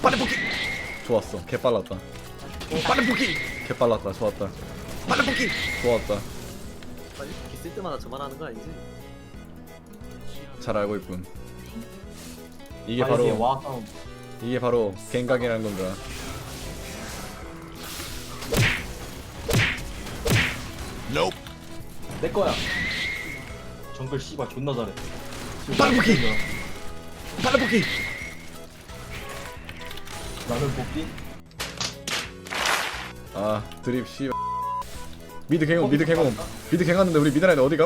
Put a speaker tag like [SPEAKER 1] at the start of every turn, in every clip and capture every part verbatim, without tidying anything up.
[SPEAKER 1] 빠른 복귀.
[SPEAKER 2] 좋았어. 개 빨랐다.
[SPEAKER 1] 빠른 복귀.
[SPEAKER 2] 개 빨랐다. 좋았다.
[SPEAKER 1] 빠른 복귀.
[SPEAKER 2] 좋았다.
[SPEAKER 3] 빨리 복귀 쓸 때마다 저만 하는 거 아니지?
[SPEAKER 2] 잘 알고 있군. 이게
[SPEAKER 4] 아,
[SPEAKER 2] 바로
[SPEAKER 4] 이게 와 싸움.
[SPEAKER 2] 이게 바로 갱각이라는 건가.
[SPEAKER 1] Nope.
[SPEAKER 4] 내 거야. 정글 씨발 존나 잘해.
[SPEAKER 1] 빠른 복귀. 빠른 복귀.
[SPEAKER 4] 나는 복귀.
[SPEAKER 2] 아 드립 씨. 미드 갱홈 미드 갱홈 미드 갱하는데 우리 미드 라인 어디가?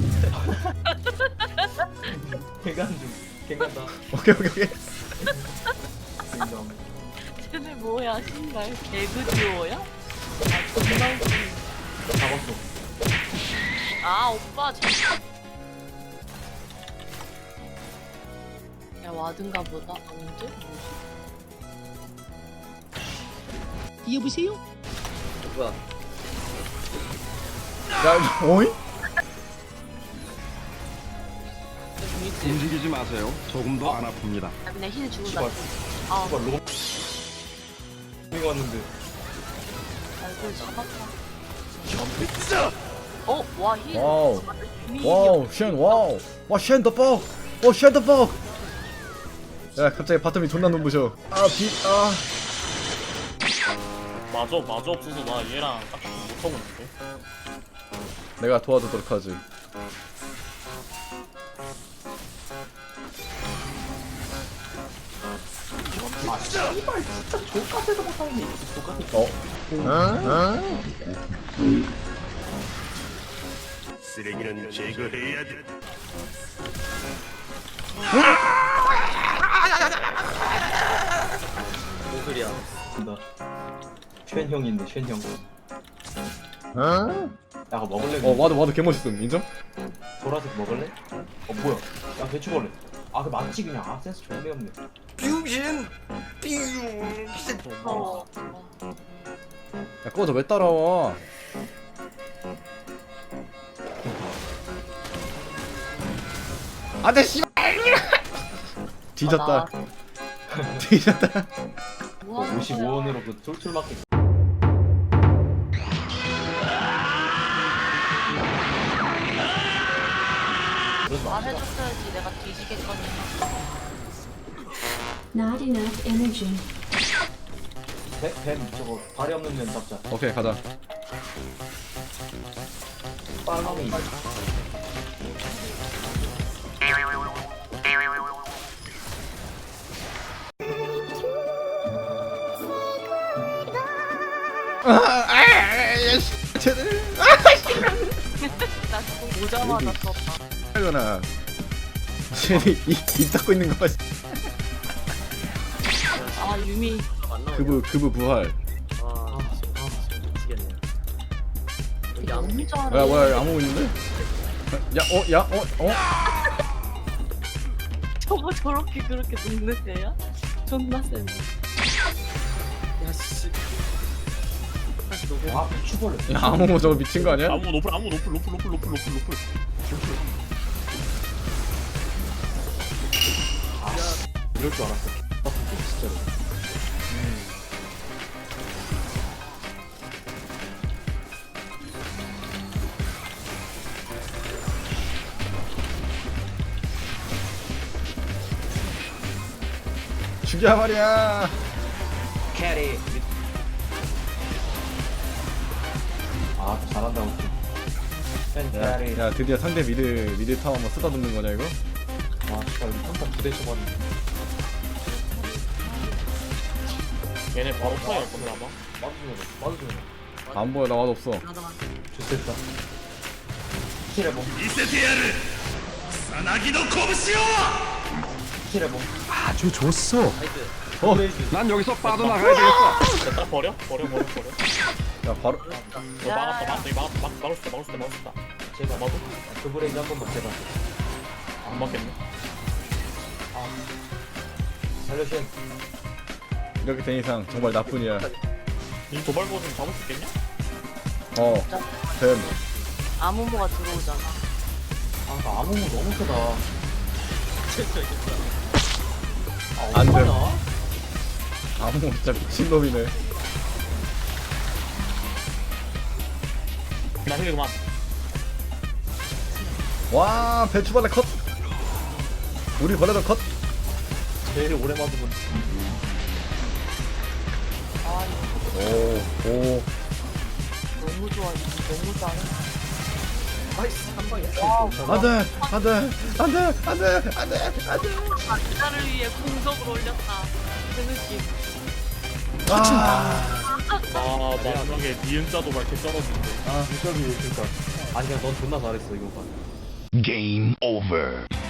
[SPEAKER 4] 개간 중. 개간다.
[SPEAKER 2] 오케이 오케이 오케이.
[SPEAKER 4] 인정.
[SPEAKER 5] 쟤네 뭐야 신발 개그 듀오야? 아 존나 웃기네.
[SPEAKER 4] 잡았어.
[SPEAKER 5] 아 오빠 잠깐. 야 와든가 보다. 언제? 뭐지?
[SPEAKER 6] 여보세요?
[SPEAKER 3] 뭐야?
[SPEAKER 2] 야 어이?
[SPEAKER 5] 미지.
[SPEAKER 7] 움직이지 마세요. 조금 더 안 아픕니다.
[SPEAKER 5] 아 그냥 힐 주고
[SPEAKER 4] 씨발.
[SPEAKER 5] 나. 아
[SPEAKER 4] 씨발 로. 이거 왔는데.
[SPEAKER 5] 얼굴 잡았다.
[SPEAKER 1] 점프자.
[SPEAKER 5] 어? 와 힐.
[SPEAKER 2] 와우.
[SPEAKER 5] 이미
[SPEAKER 2] 와우 쉔 와우 와쉔 더 뻑. 오쉔 더 뻑. 야 갑자기 바텀이 존나 눈부셔. 아빛아
[SPEAKER 8] 마저 마저 없어서 나 얘랑 딱히 못하고 있는데.
[SPEAKER 2] 내가 도와주도록 하지.
[SPEAKER 4] 아 씨발 진짜 족같아도 못하는 게 족같아.
[SPEAKER 2] 어?
[SPEAKER 1] 쓰레기는 제거해야 돼.
[SPEAKER 3] 뭔 소리야?
[SPEAKER 4] 나. 쉔 형인데 쉔 형. 어? 야 그거 먹을래?
[SPEAKER 2] 어 와도 와도 개 멋있음 인정?
[SPEAKER 4] 보라색 먹을래? 어 뭐야? 야 배추 먹을래? 아 그 맞지 그냥. 아 센스 존나 없네.
[SPEAKER 1] 빙신. 빙신.
[SPEAKER 5] 어.
[SPEAKER 2] 야 꺼져 왜 따라와? 안돼 씨발. 뒤졌다. 뒤졌다.
[SPEAKER 5] 뭐 하는
[SPEAKER 4] 오십오
[SPEAKER 5] 거야?
[SPEAKER 4] 원으로 그 툴툴 맞게. 그러지 마.
[SPEAKER 5] 말해줬어야지 내가 뒤지겠거니.
[SPEAKER 6] Not enough energy.
[SPEAKER 4] 뱀, 뱀 저거 발이 없는 면 잡자.
[SPEAKER 2] 오케이 가자.
[SPEAKER 4] 빨강이.
[SPEAKER 2] 쟤들.
[SPEAKER 5] 나 지금 오자마자 썼다.
[SPEAKER 2] 하거나. 쟤네 입입 닫고 있는 거 봐.
[SPEAKER 5] 아 유미.
[SPEAKER 3] 안 나오냐?
[SPEAKER 2] 그부 그부 부활.
[SPEAKER 3] 아, 미치겠네. 여기 아무
[SPEAKER 5] 너무 잘해.
[SPEAKER 2] 뭐야 뭐야 아무 있는데? 야어야어 어? 어?
[SPEAKER 5] 저거 저렇게 그렇게 녹는 애야? 존나 센.
[SPEAKER 3] 야씨. 다시 녹여.
[SPEAKER 4] 아 배추벌레.
[SPEAKER 2] 야 아무 저거 미친 거 아니야?
[SPEAKER 8] 아무 노플 아무 노플 노플 노플 노플 노플 노플.
[SPEAKER 4] 이럴 줄 알았어. 진짜로.
[SPEAKER 2] 죽여 말이야.
[SPEAKER 4] 캐리. 아 잘한다 우리. 팬
[SPEAKER 2] 야,
[SPEAKER 4] 캐리.
[SPEAKER 2] 야 드디어 상대 미드 미드 타워 한번 쓰다듬는 거냐 이거?
[SPEAKER 4] 와 진짜 우리 한판 부대 쳐봤는데.
[SPEAKER 8] 얘네 바로 파이할 건데 아마.
[SPEAKER 4] 맞으면 맞으면.
[SPEAKER 2] 안 보여 나 맛 없어.
[SPEAKER 4] 좋겠다. 키레봉.
[SPEAKER 1] 이세테야를 사나기노拳を.
[SPEAKER 4] 키레봉.
[SPEAKER 1] 아주 좋았어.
[SPEAKER 3] 나이스.
[SPEAKER 2] 어?
[SPEAKER 7] 난 여기서 빠져나가야 되겠어.
[SPEAKER 8] 딱 버려 버려 버려 버려.
[SPEAKER 2] 야 바로
[SPEAKER 8] 이거 막았다 막았다 이거 막았다 막 막을 수 있다 막을 수 있다 막을 수 있다.
[SPEAKER 4] 제발
[SPEAKER 8] 막아도
[SPEAKER 4] 그 브레이크 한 번만 제발.
[SPEAKER 8] 안 막겠네.
[SPEAKER 4] 살려쉔.
[SPEAKER 2] 이렇게 된 이상 정말 나뿐이야.
[SPEAKER 8] 이 도발 버튼 잡을 수 있겠냐?
[SPEAKER 2] 어. 됨.
[SPEAKER 5] 아무모가 들어오잖아.
[SPEAKER 4] 아, 나 아무 너무 크다. 아,
[SPEAKER 2] 안 돼.
[SPEAKER 4] 어떡하냐?
[SPEAKER 2] 아무 진짜 미친놈이네.
[SPEAKER 8] 나 힐 그만.
[SPEAKER 2] 와 배추벌레 컷. 우리 벌레도 컷.
[SPEAKER 3] 제일 오래 맞으면
[SPEAKER 2] 오 오.
[SPEAKER 5] 너무 좋아. 이거 너무 잘해.
[SPEAKER 3] 아이씨 한 방에
[SPEAKER 2] 안돼 안돼 안돼 안돼 안돼 안돼.
[SPEAKER 5] 나를 위해 공석을 올렸다. 그 느낌.
[SPEAKER 2] 아.
[SPEAKER 8] 아 마지막에 니은자도 밝게 쩔어진대.
[SPEAKER 4] 아, 그니까. 아니, 그냥 넌 존나 잘했어, 이거 봐.
[SPEAKER 1] 게임 오버.